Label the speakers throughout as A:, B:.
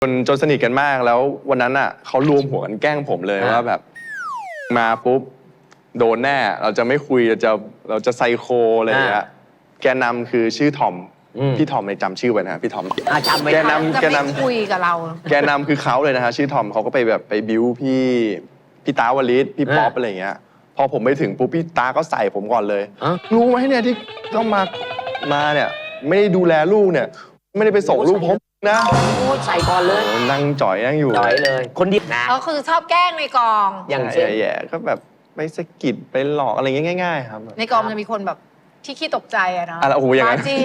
A: จนสนิทกันมากแล้ววันนั้นอ่ะเขารวมหัวกันแกล้งผมเลยว่าแบบมาปุ๊บโดนแน่เราจะไม่คุยเราจะไซโคอะไรอย่างเงี้ยแกนำคือชื่อทอมพี่ทอมในจำชื่อไว้นะพี่ทอม
B: จำไว้
C: จะไม่คุยกับเรา
A: แกนำคือเขาเลยนะฮะชื่อทอมเขาก็ไปบิ้วพี่ตาวลิศพี่ป๊อปอะไรอย่างเงี้ยพอผมไปถึงปุ๊บพี่ตาก็ใส่ผมก่อนเลยรู้ไหมเนี่ยที่ต้องมาเนี่ยไม่ได้ดูแลลูกเนี่ยไม่ได้ไปส่งลูกผมนะ
B: ใส่ก่อนเลย
A: นั่งจ่อยนั่งอยู่
B: จ่อยเลยคนเดียวนะ
C: ก็คือชอบแกล้งในกอง
B: อย่างเช่น
A: แย่ๆก็แบบไปสะกิดไปหลอกอะไรเงี้ยง่ายๆครับ
C: ในกองมันจะมีคนแบบที่ขี้ตกใจอะนะ
A: โอ้โหอย่างนั้น
C: จี้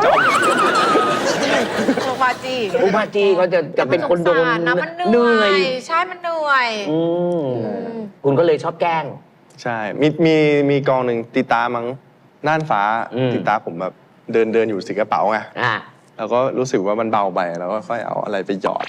C: บาจี้
B: บาจี้เขาจะเป็นคนโดน
C: นะมันเหนื่อยใช่มันเหนื่อย
B: คุณก็เลยชอบแกล้ง
A: ใช่มีกองหนึ่งตีตามั้งน่านฟ้าตีตาผมแบบเดินอยู่สิกระเป๋าไงแล้วก็รู้สึกว่ามันเบาไปแล้วก็ค่อยเอาอะไรไปหยอด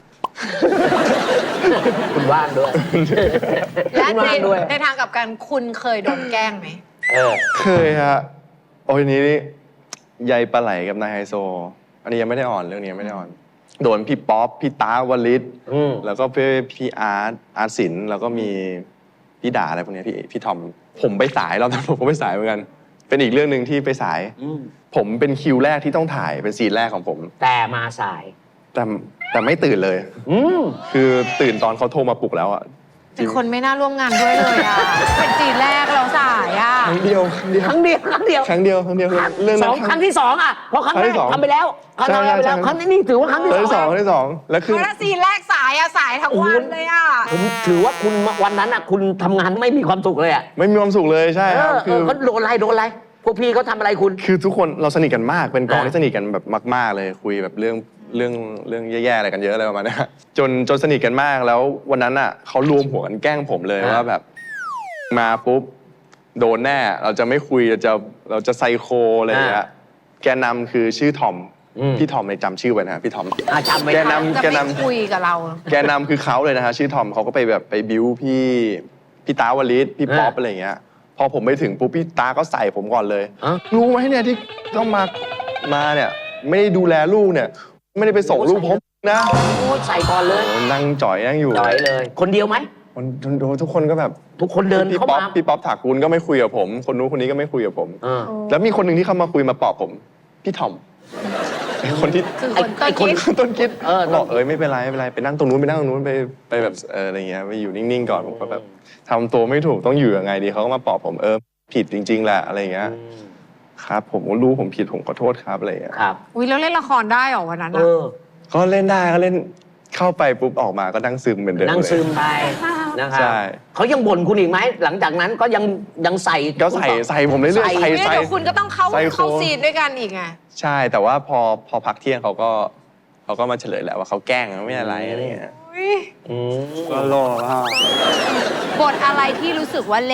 B: คุณว่างด้วย
C: และในทางกับการคุณเคยโดนแกล้งไหม
A: เคยฮะโอ้ยนี้ใยปลาไหลกับนายไฮโซอันนี้ยังไม่ได้อ่อนเรื่องนี้ไม่ได้อ่อนโดนพี่ป๊อปพี่ตาวลิศแล้วก็พี่อาร์ตศิลป์แล้วก็มีพี่ด่าอะไรพวกนี้พี่ทอมผมไปสายเราแต่ผมก็ไปสายเหมือนกันเป็นอีกเรื่องหนึ่งที่ไปสายผมเป็นคิวแรกที่ต้องถ่ายเป็นซีนแรกของผม
B: แต่มาสาย
A: แต่ไม่ตื่นเลยคือตื่นตอนเขาโทรมาปลุกแล้วอ่ะ
C: เป็นคนไม่น่าร่วมงานด้วยเลยอ่ะเป็นซีนแรกเราสายอ่ะ
A: ครั้งเดียวเรื่อง
B: ครั้งที่สองอ่ะเพราะครั้งแรกทำไปแล้วครั้งนี้ถือว่าครั้งที่สอง
A: แล้วคือ
C: ซีนแรกสายอ่ะสายทั้งวันเลยอ่ะ
B: ผมถือว่าคุณวันนั้นอ่ะคุณทำงานไม่มีความสุขเลยอ่ะ
A: ไม่มีความสุขเลยใช่ครับ
B: คือเขาโดนอะไรพวกพี่เขาทำอะไรคุณ
A: คือทุกคนเราสนิทกันมากเป็นกองที่สนิทกันแบบมากๆเลยคุยแบบเรื่องแย่ๆอะไรกันเยอะอะไรประมาณนี้จนสนิทกันมากแล้ววันนั้นอ่ะเขารวมหัวกันแกล้งผมเลยว่าแบบมาปุ๊บโดนแน่เราจะไม่คุยเราจะไซโคอะไรอย่างเงี้ยแกนำคือชื่อทอมพี่ทอมในจำชื่อไว้นะพี่ทอม
B: จำไว้
C: จะไม่คุยกับเรา
A: แกนำคือเขาเลยนะฮะชื่อทอมเขาก็ไปบิ้วพี่ตาวลิศพี่ป๊อปอะไรอย่างเงี้ยพอผมไปถึงปุ๊บพี่ตาก็ใส่ผมก่อนเลยรู้ไหมเนี่ยที่ต้องมาเนี่ยไม่ได้ดูแลลูกเนี่ยไม่ได้ไปส่งลูกผมนะ
B: ใส่ก่อนเลย
A: นั่งจ่อยนั่งอยู่
B: จ่อยเลยคนเดียวไหม
A: ทุกคนก็แบบ
B: ทุกคนเดินเข้ามา
A: พี่ป๊อปถากูลก็ไม่คุยกับผมคนนู้นคนนี้ก็ไม่คุยกับผมแล้วมีคนหนึ่งที่เข้ามาคุยมาปลอบผมพี่ทอมคนที่ต้นคิดบอกไม่เป็นไรไปนั่งตรงนู้นไปแบบอะไรเงี้ยไปอยู่นิ่งๆก่อนผมก็แบบทำตัวไม่ถูกต้องอยู่ยังไงดีเขาก็มาปลอบผมผิดจริงๆแหละอะไรเงี้ยครับผมก็รู้ผมผิดผมขอโทษครับอะไรเงี้ย
B: ครับ
C: อุ้ยแล้วเล่นละครได้หรอวันนั้น
A: ก็เล่นได้ก็เล่นเข้าไปปุ๊บออกมาก็นั่งซึมเหมือนเดิม
B: นั่งซึมไปนะครับเขายังบ่นคุณอีกไหมหลังจากนั้นก็ยังใส่
A: ก็ใส่ผมเรื่อยๆใส่
C: เดี๋ยวคุณก็ต้องเข้าซีนด้วยกันอีกไง
A: ใช่แต่ว่าพอพักเที่ยงเขาก็มาเฉลยแหละว่าเขาแกล้งไม่อะไรอะไรเงี้ยก็รอว่า
C: บทอะไรที่รู้สึกว่า